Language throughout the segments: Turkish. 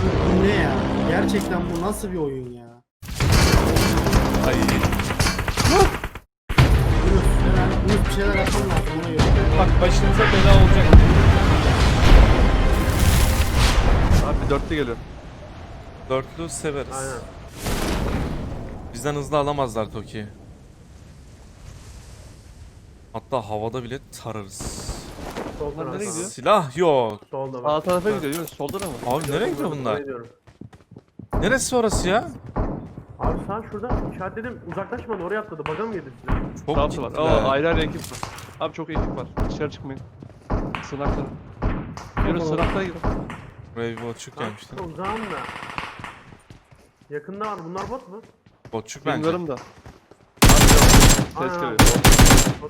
bu ne ya? Gerçekten bu nasıl bir oyun ya? Ay. Yunus bir şeyler yapmam lazım ona göre. Bak başınıza bela olacak. Abi dörtlü geliyor. Dörtlü severiz. Aynen. Bizden hızlı alamazlar Toki'yi. Hatta havada bile tararız. Sol Bunlar nereye tarafta. gidiyor? Silah yok. Solda Sağ bak. tarafa gidiyor Yunus. Solda da mı? Abi nereye gidiyor bunlar? Gidiyorum. Neresi orası ya? Abi sen şurada işaretledim. Uzaklaşmadı oraya atladı. Baga mı yedi size? Çok Sağ var. gittiler. Ayrı ayrı ekip var. Abi çok ekip var. Dışarı çıkmayın. Sınakta. Yunus sınakta gir. Brave Botçuk gelmişti. Çok uzağım da. Yakında var. Bunlar bot mu? Botçuk bence. Bilmiyorum da. Ses Aynen geliyor. abi. Bot.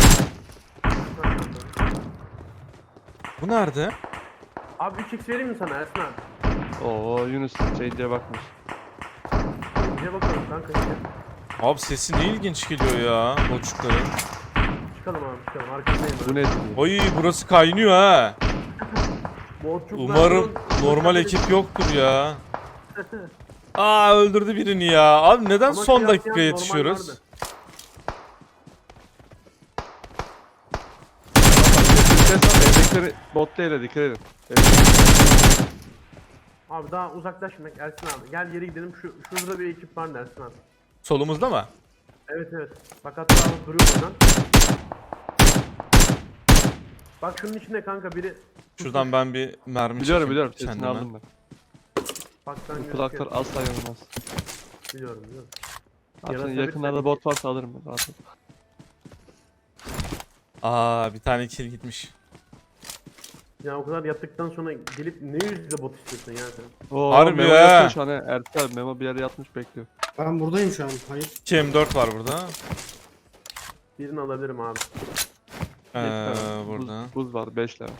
Bu nerede? Abi 3x vereyim mi sana Ersin abi? Oo Yunus diye bakmış. Bize bakalım kanka işte. Abi sesi ne ilginç geliyor ya Botçukların. Çıkalım abi çıkalım. Arkasındayım Bu ben. ne? Oy burası kaynıyor ha. Botçuklar Umarım bunun- normal ekip yoktur ya. Aa öldürdü birini ya. Abi neden Ama son şey dakika yapmayan normal yetişiyoruz? vardı. Evdekileri botla ele dikkat edin. Abi daha uzaklaşmak Ersin abi. Gel geri gidelim. Şurada bir ekip var Ersin abi. Solumuzda mı? Evet evet. Bak hatta abi duruyor buradan. Bak şunun içinde kanka biri. Şuradan ben bir mermi Biliyorum çekeyim biliyorum. Sesini kendime. aldım ben. Baktan Bu gözüküyor. kulaklar asla yanılmaz. Biliyorum biliyorum. Abi Yarasa senin bir yakınlarda tane- bot varsa alırım ben rahat ol. Aa bir tane kill gitmiş. Ya o kadar yattıktan sonra gelip ne yüzle bot istiyorsun ya sen? Oo, Harbi Memo ya. yatıyor şu an he. Ertuğ abi Memo bir yere yatmış bekliyor. Ben buradayım şu an. Hayır. 2 M4 var burada. Birini alabilirim abi. Burada. Buz var 5 lira.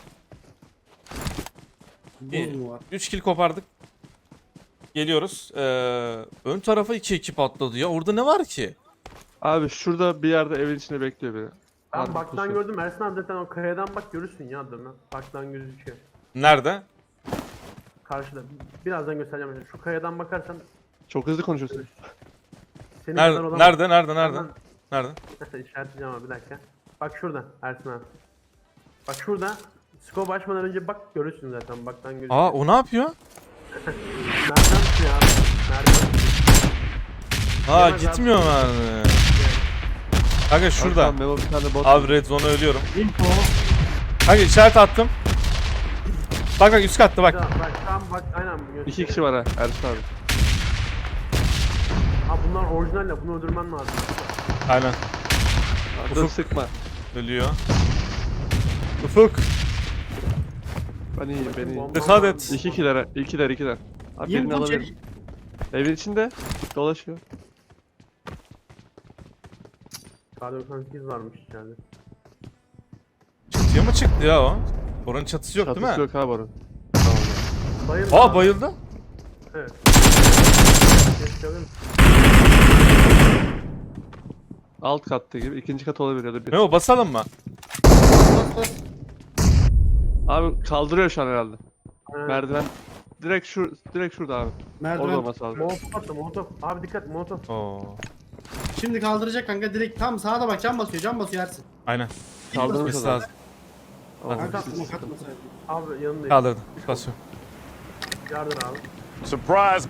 Buz mu var? 3 kill kopardık. Geliyoruz. Ön tarafa 2 ekip atladı ya. Orada ne var ki? Abi şurada bir yerde evin içinde bekliyor biri. Ben Harbi baktan pusuyor. gördüm Ersin abi zaten o kayadan bak görürsün ya adını. Baktan gözüküyor. Nerede? Karşıda. Birazdan göstereceğim. Şu kayadan bakarsan Çok hızlı konuşuyorsun. senin kadar Nerede? olamaz. Nerede? Nerede? İşaretleyeceğim abi bir dakika. Bak şurada Ersin abi. Bak şurada. Scope açmadan önce bak görürsün zaten baktan gözüküyor. Aa o ne yapıyor? Nereden tutuyor abi? Nereden tutuyor? Aa Yemez gitmiyor mermi. Kanka şurada. Şuradan Memo bir tane bot. Abi red zone'a ölüyorum. Info. Kanka işaret attım. Bak üst katta bak. Bak tam bak aynen. gösteriyor. 2 kişi var ha Ertuğ abi. Abi bunlar orijinal ya bunu öldürmen lazım. Aynen. Abi dur sıkma. Ölüyor. Ufuk. Ben iyiyim ben iyiyim. Bomba Dikkat var. et. 2'ler. Abi birini Info alabilirim. çek. Evin içinde dolaşıyor. K98 varmış içeride. Çatıya mı çıktı ya o? Oranın çatısı yok Çatısı değil mi? yok abi orada. Tamam. Bayıldı. Aa abi. bayıldı. Evet. Geçelim. Alt katta gibi ikinci kat olabilir ya da bir. Ne o basalım mı? Bas bas. Abi kaldırıyor şu an herhalde. Aynen. Merdiven direkt şurada abi. Orada Merdiven. olması lazım. Molotof attı molotof. Abi dikkat molotof. Oo. Şimdi kaldıracak kanka direkt tam sağa da bak cam basıyor Ersin. Aynen. Kaldırmış Gitmesi adam. lazım. Oo, Kanka siz- atma katmasaydın. Abi yanındayım. Kaldırdı. Basıyor. Yardır abi. Surprise!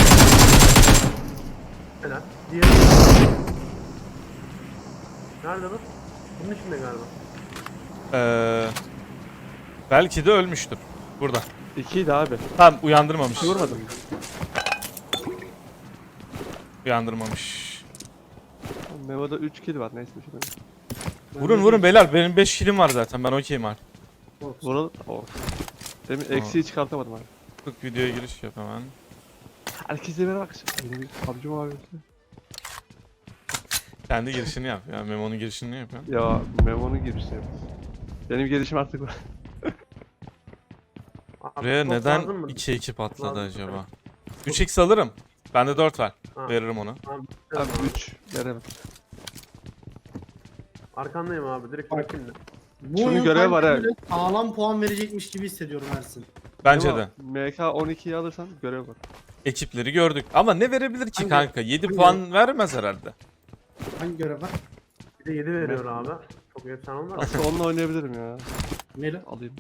Helal. Diğeri. Nerede bu? Bunun içinde galiba. Belki de ölmüştür. Burada. İkiydi abi. Tamam uyandırmamış. Vurmadım. Uyandırmamış. Memo'da 3 kill var neyse bir şey demeyeyim. Vurun beyler. Benim 5 killim var zaten. Ben okeyim abi. Vuralım. Oo. Demin eksiği çıkartamadım abi. Tık videoya giriş yap hemen. Herkese merhaba arkadaşlar. Yeni bir PUBG Mobile. Kendi girişini yap ya. Memo'nun girişini yap ya. Ya Memo'nun girişi. Benim girişim artık var. Abi, Buraya top neden lazım mı? 2 ekip atladı Lazım. acaba? 3x alırım. Bende 4 var. Ha. Veririm onu. Abi, Abi 3 veremem. Arkandayım abi direkt bırakayım da. Bu Şunun oyun görevi var sanki ha. böyle sağlam puan verecekmiş gibi hissediyorum Ersin. Bence Ama de. MK12'yi alırsan görev var. Ekipleri gördük. Ama ne verebilir ki Hangi- kanka? 7 hangi- puan vermez herhalde. Hangi görev var? Bir de 7 veriyor abi. Çok efsane olmaz mı? Aslında onunla oynayabilirim ya. Neyle? Alayım.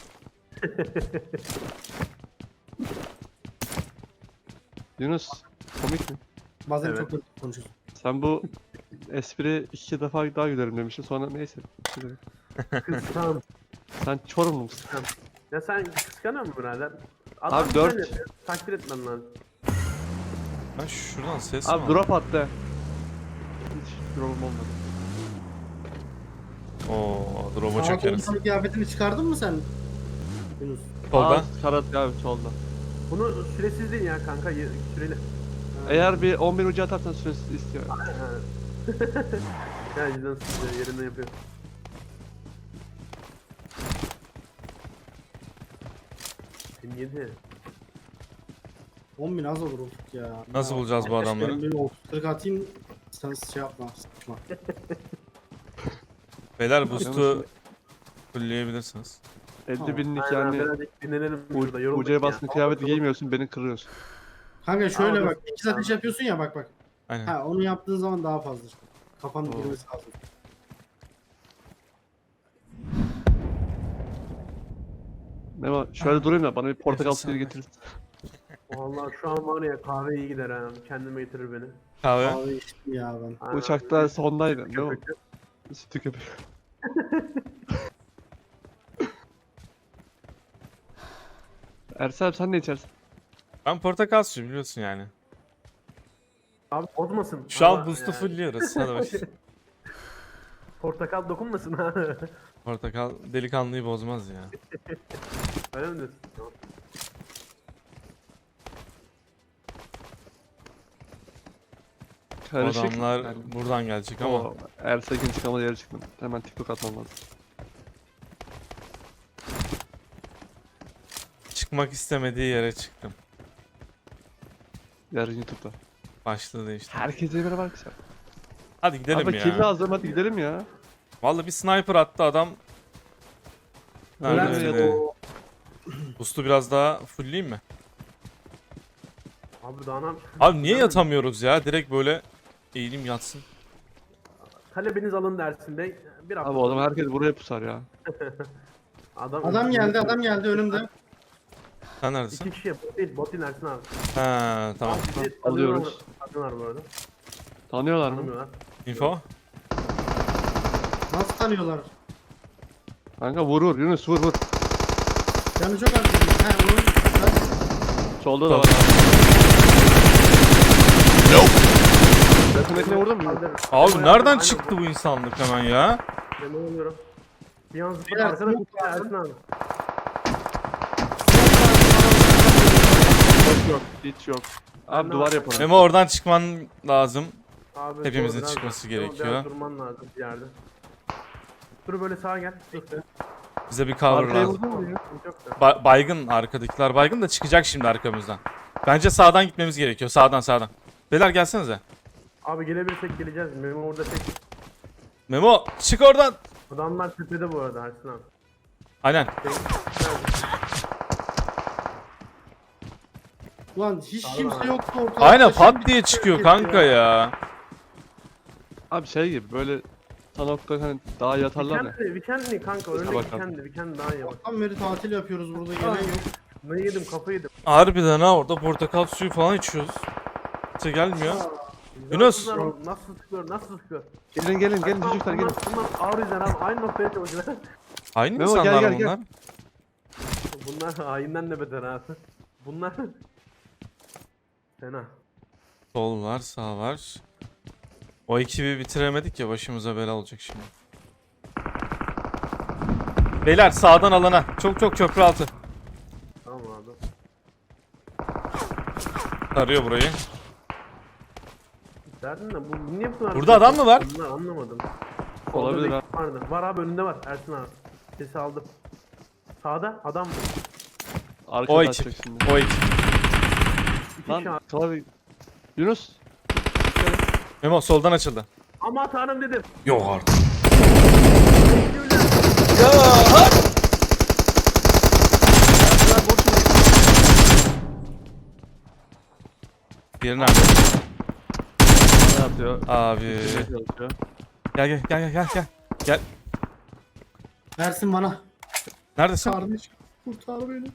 Yunus, komik mi? Bazen Evet. çok hızlı konuşuyorsun. Sen bu espri 2 defa daha gülerim demiştin, sonra neyse. Kıskan. Sen Çorumlu musun? Ya sen kıskanıyor musun birader? Abi güzel dört. yapıyor, takdir etmem lazım. Ben şuradan ses mi Abi aldım? drop attı. Hiç drop'um olmadı. Oo, drop'a Sağ çökeriz. kolun kıyafetini çıkardın mı sen? Yunus. Solda. Aa, karat abi solda. Bunu süresiz değil ya kanka, süreli. Eğer bir 11 ucu atarsan süresi istiyor. Ya cidden sıkıntı yerinden yapıyor. Şimdi 7. 10.000 az olur Ufuk ya. Nasıl bulacağız bu adamları? Ben böyle 40 atayım. Sen şey yapma. Sıkma. Beyler boost'u fullleyebilirsiniz. 50 binlik Aynen, yani birazcık dinlenelim şurada. yorulduk ucuya ya. bastın kıyafeti giymiyorsun, beni kırıyorsun. Kanka şöyle Abi, bak. 2 ateş yapıyorsun ya bak bak. Aynen. Ha onu yaptığın zaman daha fazla. Kafanın Oo. girmesi lazım. Memo şöyle durayım da bana bir portakal Nefes suyu al. getirin. Vallahi şu an var ya, kahve iyi gider ha. Kendime getirir beni. Kahve. Abi içtim ya ben. Aynen. Uçakta sondaydım değil mi? Köpüklü. Sütü köpük. Ersel abi sen ne içersin? Ben portakal suyu biliyorsun yani. Abi bozmasın. Şu an Ama boost'u yani fullliyoruz. Hadi bak. Portakal dokunmasın ha. Portakal delikanlıyı bozmaz ya. Öyle mi diyorsun? Karışık. Adamlar Yani, buradan gelecek ama. ama Ersel'in çıkamadığı yere çıktım. Hemen TikTok atmam lazım. Çıkmak istemediği yere çıktım. Yarın YouTube'da. Başladı işte. Herkese bir var kısa. Hadi gidelim Abi kill ya. lazım, hadi gidelim ya. Vallahi bir sniper attı adam. Öyle Nerede mi öyle? ya? Boost'u biraz daha fullleyeyim mi? Abi daha ne yapacağız? Abi niye yatamıyoruz ya? Direkt böyle eğilim yatsın. Talebiniz alın dersinde. Bir hafta Abi o zaman sonra- herkes buraya pusar ya. Adam geldi önümde. Sen neredesin? 2 kişi bot değil Ersin abi. Ha tamam. Bizi alıyoruz. tanıyorlar bu arada. Tanıyorlar mı? Tanımıyorlar. Info. Nasıl tanıyorlar? Kanka vur Yunus vur. Canı çok az. Ha onun. Solda da var. Yakındakine vurdun mu? Kaldır. Abi Memo nereden yaptım, çıktı bu insanlık hemen ya? Memo oluyorum. Bir an zıpladı Beyler, arkada smoke kutu Ersin abi. Hiç yok. Abi duvar yapalım. Memo oradan çıkman lazım. Abi Hepimizin biraz- çıkması Memo, gerekiyor. Biraz durman lazım bir yerde. Dur böyle sağa gel. Dur. Bize bir cover Arkaya lazım. vurdun mu ya? Yok da. Baygın arkadakiler baygın da çıkacak şimdi arkamızdan. Bence sağdan gitmemiz gerekiyor. Sağdan. Beyler gelsenize. Abi gelebilirsek geleceğiz. Memo orada tek. Memo çık oradan. Adamlar tepede bu arada Ersin abi. Aynen. Ulan hiç Abi, kimse abi. yoktu ortada. Aynen Şimdi pat diye bir çıkıyor şey kanka ya. Abi şey gibi böyle Sanok'ta hani daha yatarlar ya. Weekend'li kanka. Öyle bakalım. Weekend daha iyi bak. Tam beri tatil yapıyoruz burada gelen yok. Ne yedim kafayı yedim. Harbiden ha orada portakal suyu falan içiyoruz. Kimse gelmiyor. Yunus. Nasıl sıkıyor? Gelin çocuklar gelin. Bunlar ağır yüzden abi aynı noktaya çalışıyorlar. Aynı Memo, gel, insanlar gel, bunlar. Bunlar hayinden de beter abi. Bunlar fena. Sol var sağ var. O ekibi bitiremedik ya başımıza bela olacak şimdi. Beyler sağdan alana. Çok köprü altı. Tamam abi. Tarıyor burayı. Derdin de bu niye bu kadar... Burada adam mı var? Bunlar anlamadım. Olabilir Solda ha. bir vardı. Var abi önünde var Ersin abi. Sesi aldım. Sağda adam var. Arkada O açacak ekip. şimdi. O ekip. İki kişi Lan abi. klavye. Yunus. Memo soldan açıldı. Ama tanrım dedim. Yok artık. Teşekkürler. Ya hak! Ya boş ver. Diğeri nerede? Ne yapıyor? Abi. Çalışıyor. Gel. Versin bana. Neredesin? Kardeş kurtar beni.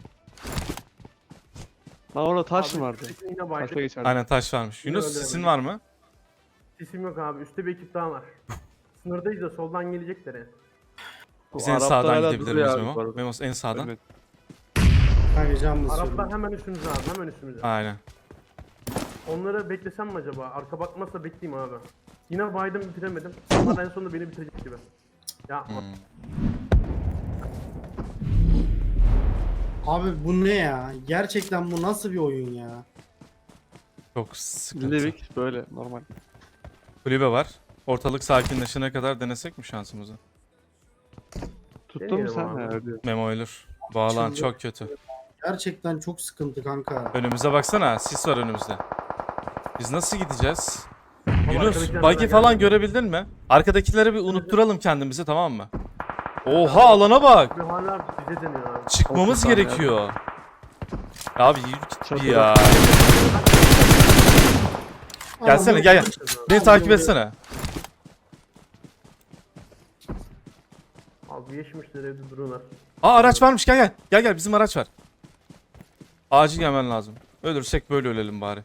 Lan orada taş mı vardı? üstteki yine Taşla baydık. geçerdi. Aynen taş varmış. Yunus öyle sesin öyle. var mı? Sesim yok abi. Üstte bir ekip daha var. Sınırdayız da soldan gelecekler yani. Biz Bu en Araplar sağdan hala gidebilir duruyor miyiz abi bu Memo? arada. Memo en sağdan. Evet. Kanka can basıyorum. Araplar hemen üstümüzde abi. Hemen üstümüzde. Aynen. Onları beklesem mi acaba? Arka bakmazsa bekleyeyim abi. Yine baydım bitiremedim. Onlar en sonunda beni bitirecek gibi. Ya Abi bu ne ya? Gerçekten bu nasıl bir oyun ya? Çok sıkıntı. Livik böyle normal. Kulübe var. Ortalık sakinleşene kadar denesek mi şansımızı? Tuttun mu Deneyelim sen? abi. Ha, öyle. Memo ölür. Bu alan Çıldır. çok kötü. Gerçekten çok sıkıntı kanka. Önümüze baksana. Sis var önümüzde. Biz nasıl gideceğiz? Ama Yunus, arkadakiler buggy bana falan gelmedi. görebildin mi? Arkadakilere bir unutturalım kendimizi, tamam mı? Oha, alana bak. Bir hala bize deniyor abi. Çıkmamız 30 saniye gerekiyor. Ya abi yürü git Çok ya. Ama Gelsene, bu- gel. Beni takip etsene. Abi yeşmişler evde duruyorlar. Aa, araç varmış, gel. Gel bizim araç var. Acil gelmen lazım. Ölürsek böyle ölelim bari.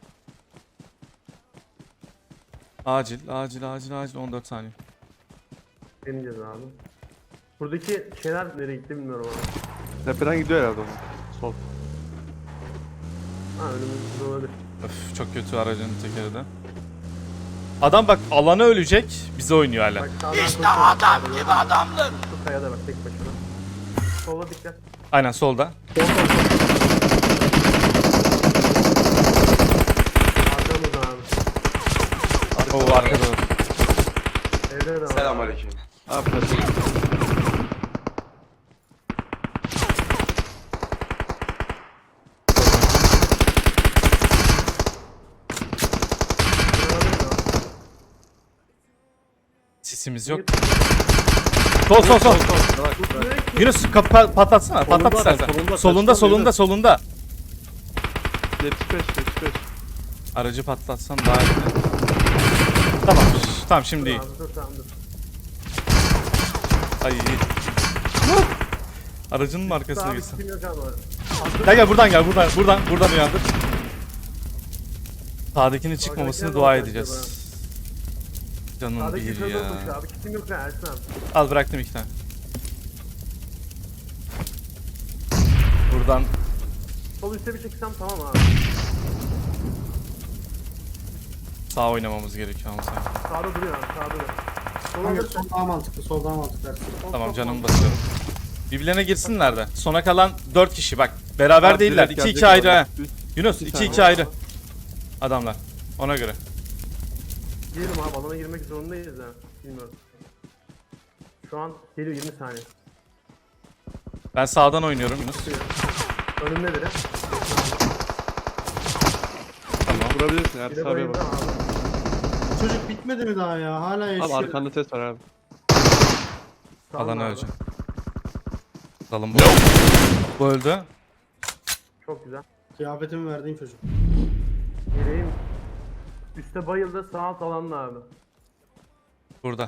Acil 14 saniye. Deneyeceğiz abi. Buradaki şeyler nereye gitti bilmiyorum abi. Tepeden gidiyor herhalde onun. Sol. Ha önümüzde olabilir. Öf, çok kötü aracın tekeri de. Adam bak alana ölecek, bize oynuyor hala. Bak işte adam gibi adamdır. Şu kayada bak tek başına. Sola dikkat. Aynen solda. Arkamızda abi. Oo, arkada. Evde de var. Selamünaleyküm. Abi taşı. Sisimiz yok. Sol. Bırak. Yunus patlatsana. Patlat istersen. Solunda. 75. Aracı patlatsan daha iyi. Tamam şimdi iyi. Abi dur tamam dur. Ay iyi. Aracının arkasına Abi gitsin. kim yok abi. Gel buradan uyandır. Sağdakinin çıkmamasını dua edeceğiz. Canım Sağdaki bir kırmızı ya. koşuyor abi. Kim yok ya Ersin abi. Al, bıraktım 2 tane. Buradan Sol üstte bir çeksem tamam abi. sağ oynamamız gerekiyor ama sanki. Sağda duruyor abi sağda duruyor. Sola Kanka alırsan. sol daha mantıklı, sol daha mantıklı. Ersin. Tamam, canımı basıyorum. Birbirlerine girsinler de. Sona kalan 4 kişi bak. Beraber Abi değiller. direkt 2-2 gelecek ayrı abi. ha. Üst- Yunus Bir 2-2 tane. ayrı. Adamlar. Ona göre. Girelim abi alana girmek zorundayız ha. Bilmiyorum. Şu an geliyor 20 saniye. Ben sağdan oynuyorum Yunus. Önümde biri. Tamam. Vurabilirsin Bir Ertuğ de abiye bayıldı bak. abi. Çocuk bitmedi mi daha ya? Hala yaşıyor. Abi arkanda ses var abi. Sağında Alan abi. ölecek. Dalın bu. Bu öldü. Çok güzel. Kıyafetimi verdiğim çocuk. Gireyim. Üste bayıldı sağ alt alanda abi. Burada.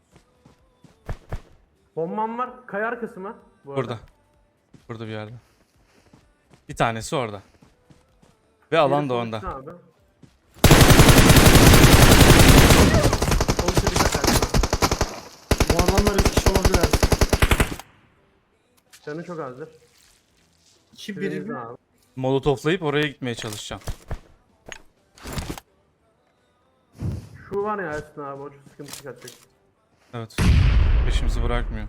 Bombam var. Kaya arkası mı? Bu arada. Burada. Burada bir yerde. Bir tanesi orada. Ve alan da Sol onda. üstte abi. Sol üstte dikkat Ersin abi. Bu adamlar 3 kişi olabilir Ersin. Canı çok azdır. 2 Birinizde biri abi. Molotoflayıp oraya gitmeye çalışacağım. Şu var ya Ersin abi o çok sıkıntı çıkartacak. Evet. Peşimizi bırakmıyor.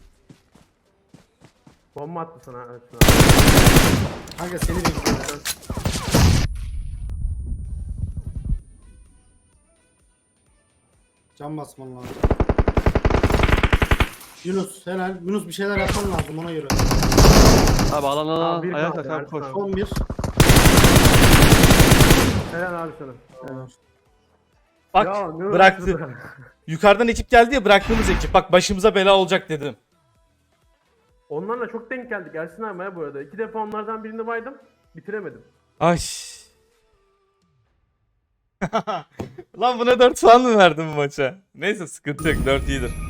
Bomba attı sana Ersin abi. Kanka seni bekliyorum. Can basman lazım. Yunus helal. Yunus bir şeyler yapman lazım ona göre. Abi alan Abi bir ayağa kaldı, kalk abi Ersin koş. abi. Son bir. Helal abi sana. Evet. Bak, Ya, ne bıraktı. uğraştı? Yukarıdan ekip geldi ya, bıraktığımız ekip. Bak, başımıza bela olacak dedim. Onlarla çok denk geldik Ersin abi ya bu arada. 2 defa onlardan birini baydım. Bitiremedim. Ay. Lan buna 4 puan mı verdin bu maça? Neyse sıkıntı yok, 4 iyidir.